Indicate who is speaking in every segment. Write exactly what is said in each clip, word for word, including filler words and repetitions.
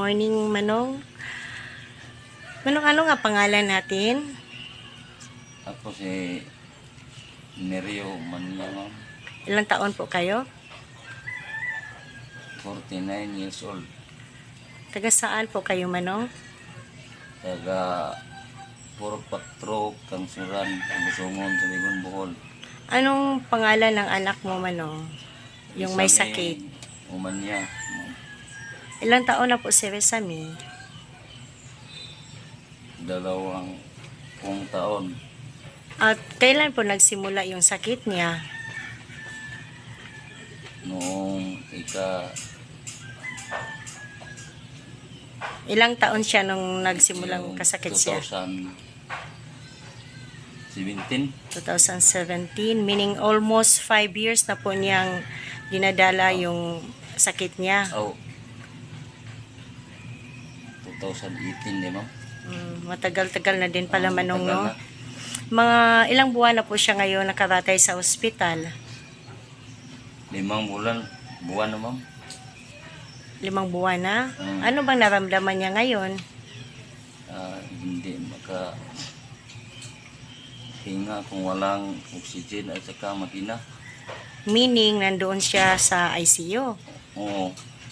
Speaker 1: morning, Manong. Manong, ano nga pangalan natin?
Speaker 2: Ako si Nerio Mania, ma'am.
Speaker 1: Ilang taon po kayo?
Speaker 2: forty-nine years old.
Speaker 1: Taga saan po kayo, Manong?
Speaker 2: Taga Puro Patro, Kangsuran, Busungon, Tubigon, Bohol.
Speaker 1: Anong pangalan ng anak mo, Manong? Yung may
Speaker 2: Isami
Speaker 1: sakit.
Speaker 2: Umanya, ma'am.
Speaker 1: Ilang taon na po si Resami?
Speaker 2: Dalawang pung taon.
Speaker 1: At kailan po nagsimula yung sakit niya?
Speaker 2: Noong ika
Speaker 1: Ilang taon siya nung nagsimulang kasakit siya?
Speaker 2: twenty seventeen.
Speaker 1: twenty seventeen, meaning almost five years na po niyang dinadala yung sakit niya.
Speaker 2: Oh. twenty eighteen, di ma'am?
Speaker 1: Mm, matagal-tagal na din pala,
Speaker 2: Oh,
Speaker 1: Manong, no?
Speaker 2: tagal na.
Speaker 1: Mga ilang buwan na po siya ngayon nakaratay sa ospital?
Speaker 2: Limang bulan, buwan na, ma'am.
Speaker 1: Limang buwan na?
Speaker 2: Mm.
Speaker 1: Ano bang naramdaman niya ngayon?
Speaker 2: Ah, hindi maka hinga kung walang oxygen at saka makina.
Speaker 1: Meaning, nandoon siya sa I C U.
Speaker 2: Oo.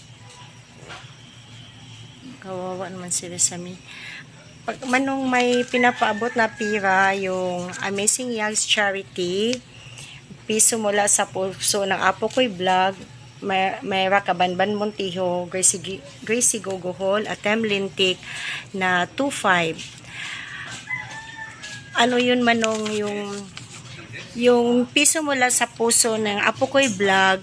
Speaker 1: Kawawa naman si Resami. Pag Manong, may pinapaabot na pira yung Amazing Yogs Charity, piso mula sa puso ng Apo Ko'y Vlog, May, Mayra Kabanban Montijo, Gracie, Gracie Gogohol, at Tem Lintik na two five. Ano yun, Manong, yung yung piso mula sa puso ng Apo Ko'y Vlog,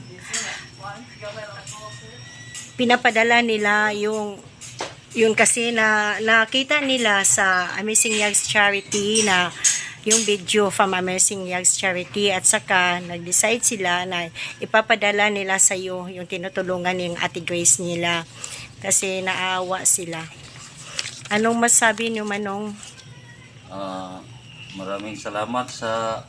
Speaker 1: pinapadala nila yung yun kasi na nakita nila sa Amazing Yogs Charity na yung video from Amazing Yogs Charity, at saka nag-decide sila na ipapadala nila sa iyo yung tinutulungan ng Ate Grace nila kasi naawa sila. Anong masabi niyo, Manong?
Speaker 2: Ah, maraming salamat sa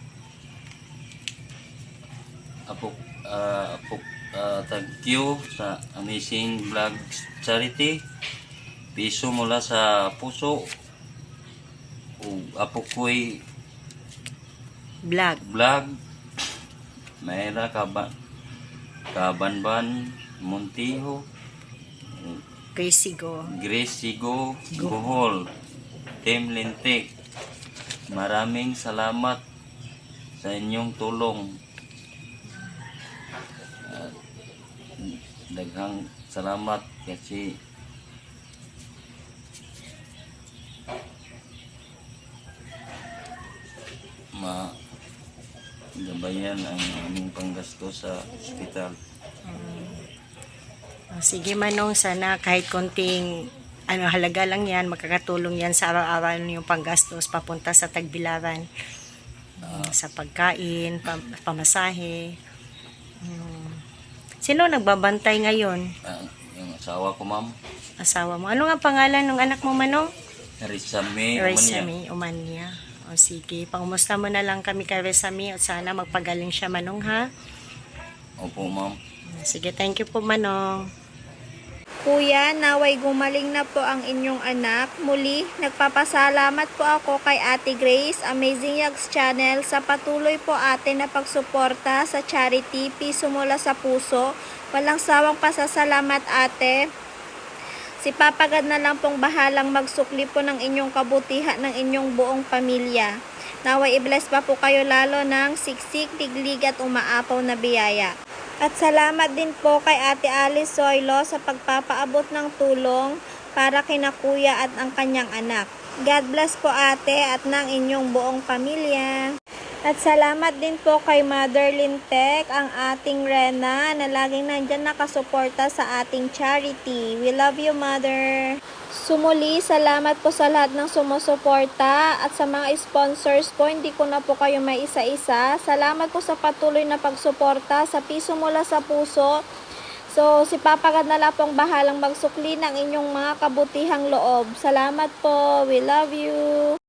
Speaker 2: Apo ah, Apo ah, thank you sa Amazing Vlog Charity. Piso mula sa puso. O Apo Ko'y
Speaker 1: Vlog.
Speaker 2: Vlog. Mayra Kaban Kabanban Montijo,
Speaker 1: Gracie Go.
Speaker 2: Gracie Go Bohol, Team Lintik. Maraming salamat sa inyong tulong. At daghang salamat kasi ma gabayan ang aming panggasto sa ospital.
Speaker 1: Oh, sige, Manong, sana kahit konting ano, halaga lang yan, makakatulong yan sa araw-araw yung panggastos papunta sa Tagbilaran. Uh, sa pagkain, pam pamasahe. Hmm. Sino nagbabantay ngayon?
Speaker 2: Uh, yung asawa ko, ma'am.
Speaker 1: Asawa mo. Ano nga pangalan ng anak mo, Manong?
Speaker 2: Resami Umanya.
Speaker 1: Resami Umanya. O sige, pangumusta mo na lang kami kay Resami at sana magpagaling siya, Manong, ha?
Speaker 2: Opo, ma'am.
Speaker 1: Sige, thank you po, Manong.
Speaker 3: Kuya, naway gumaling na po ang inyong anak. Muli, nagpapasalamat po ako kay Ate Grace, Amazing Yogs Channel, sa patuloy po ate na pagsuporta sa charity, piso mula sa puso. Walang sawang pasasalamat, ate. Si Papa God na lang pong bahalang magsukli po ng inyong kabutihan ng inyong buong pamilya. Naway i-bless pa po kayo lalo ng siksik, diglig at umaapaw na biyaya. At salamat din po kay Ate Alice Zoilo sa pagpapaabot ng tulong para kina kuya at ang kanyang anak. God bless po, ate, at ng inyong buong pamilya. At salamat din po kay Mother Lintek, ang ating Rena, na laging nandyan nakasuporta sa ating charity. We love you, Mother. Sumuli, salamat po sa lahat ng sumusuporta at sa mga sponsors po. Hindi ko na po kayo may isa-isa. Salamat po sa patuloy na pagsuporta sa piso mula sa puso. So, si Papa God na lang pong bahalang magsukli ng inyong mga kabutihang loob. Salamat po. We love you.